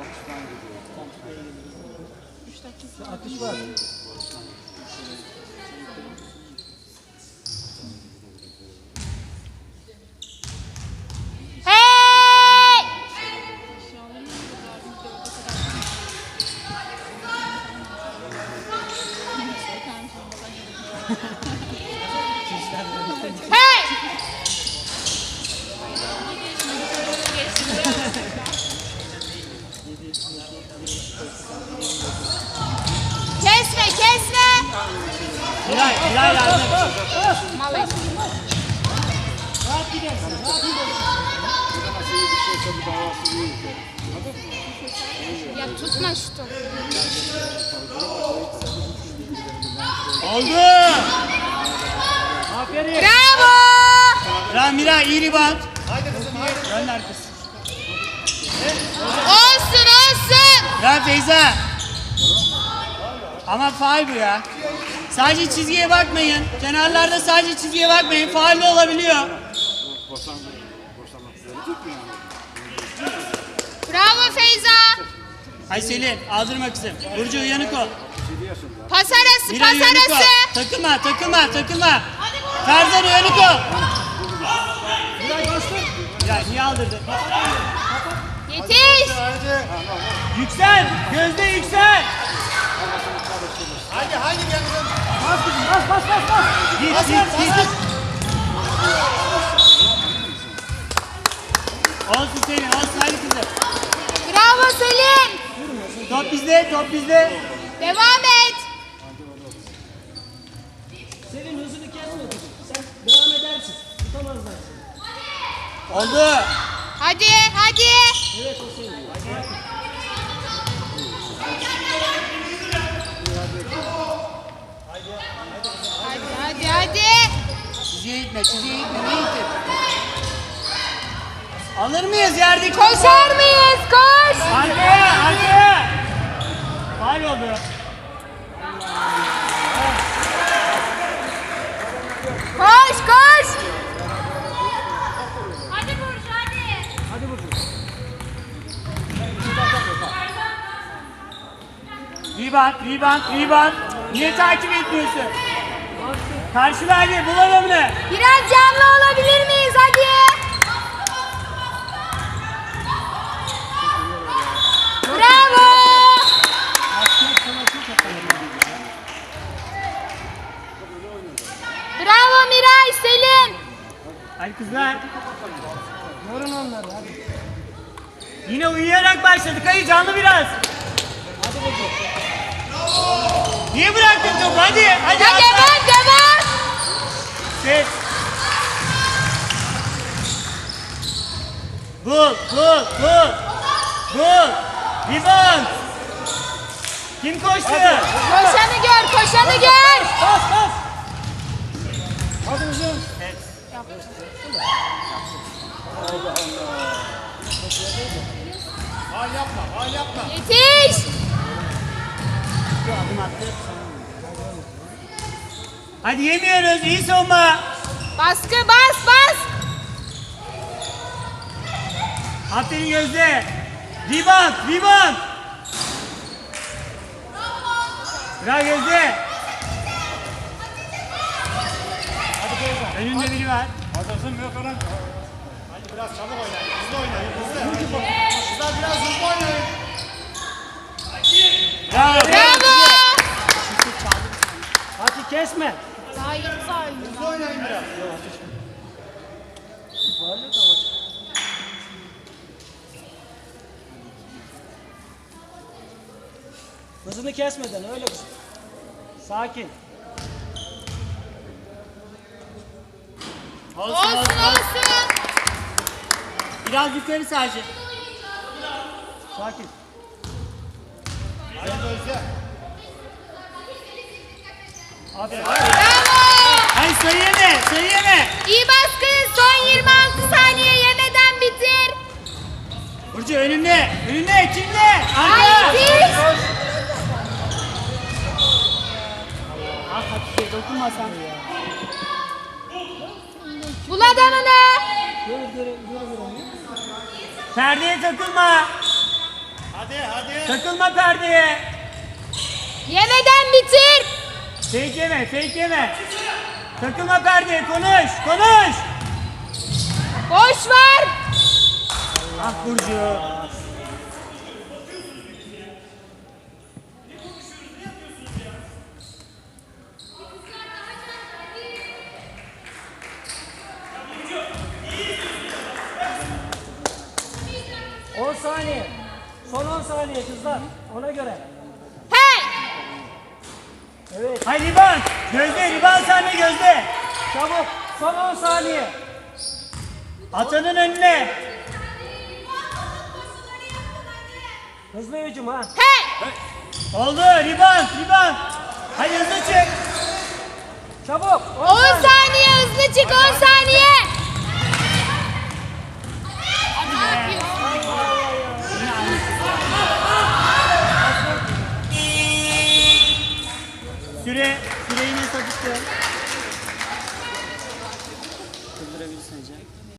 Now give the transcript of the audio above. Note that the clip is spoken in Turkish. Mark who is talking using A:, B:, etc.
A: Atış var.
B: Hey! Hey! Kesme, kesme.
C: Hilal yardım.
B: Malay.
A: Rahat gidersin. Rahat gidersin.
B: Ya tutma şu topu.
C: Oldu.
A: Aferin.
B: Bravo!
C: Bravo Miray, iyi rebound. Haydi kızım, haydi. Gönder kız.
B: Olsun, olsun.
C: Bravo Feyza. Ama faul bu ya. Sadece çizgiye bakmayın. Kenarlarda sadece çizgiye bakmayın. Faul olabiliyor.
B: Bravo Feyza.
C: Hay Selin, aldırma kızım. Burcu uyanık ol.
B: Pas arası,
C: Miray
B: pas
C: uyanık ol.
B: arası.
C: Takılma. Tarzan uyanık ol. Miray niye aldırdın?
B: Yetiş.
C: Yüksel, Gözde yüksel.
A: Haydi gel kızım. Bas kızım, bas.
C: Git. Olsun Selin, olsun hadi kızım.
B: Bravo Selin.
C: Top bizde.
B: Devam et.
A: Senin hızını kesme kızım. Sen devam edersin. Tutamazlar seni.
C: Oldu.
B: Hadi.
A: Evet o senin.
B: Hadi.
C: Çizgiye gitme. Ne gittin? Alır mıyız yerdeki?
B: Koşar mıyız? Koş.
C: Arkaya. Faul oldu.
B: Koş.
A: Hadi Burcu.
C: Rebound. Niye takip etmiyorsun? Karşı verdi, bul adamını.
B: Biraz canlı olabilir miyiz? Hadi. Bravo. Bravo Miray, Selin.
C: Hadi kızlar.
A: Yorun onları hadi.
C: Yine uyuyarak başladık. Hayır canlı biraz.
A: Hadi Burcu.
C: Niye bıraktın topu? Hadi.
B: Ya
C: atla.
B: devam.
C: Ses. Bul. Rebound. Kim koştu?
B: Koşanı gör.
A: Bas. Hadi kızım.
C: Evet.
A: Hal yapma.
B: Yetiş.
C: Adım attı. Hadi yemiyoruz. İyi savunma.
B: Baskı bas.
C: Aferin Gözde. Rebound. Bravo Gözde.
A: Hadi Feyza.
C: Önünde biri var.
A: Hazırsın mı yok olan? Hadi biraz çabuk oynayın. Hızlı oynayın. Kızlar biraz hızlı oynayın.
C: Bravo.
A: Hadi kesme.
B: Daha yeni
A: Hızlı oynayın biraz. Hızını kesmeden öyle kızım. Sakin.
B: Olsun.
C: Biraz yukarı sadece.
A: Sakin. Aferin.
B: Bravo.
C: Hayır sayı yeme.
B: İyi baskı. Son 26 saniye yemeden bitir.
C: Burcu önünde. Kimde?
B: Hayır.
C: Ah Hatice dokunmasan.
B: Bul adamını.
A: Göre.
C: Perdeye takılma.
A: Hadi.
C: Takılma perdeye.
B: Yemeden bitir.
C: Fake yeme, fake yeme. Takılma perdeye, konuş, konuş.
B: Boş var.
C: Ah Burcu.
D: On saniye. Son 10 saniye kızlar. Ona göre.
B: Hey.
D: Evet.
C: Hay riban. Gözde, riban sahne Gözde.
D: Çabuk. Son 10 saniye.
C: Atanın önüne.
D: Hızlı hücum ha.
B: Hey.
C: Oldu, riban, riban. Hadi hızlı çık.
D: Çabuk.
B: 10 saniye hızlı çık 10 saniye. Ne yapıyorsun?
C: Süreyi ne sapıttı? Kıldırabilirsin hocam.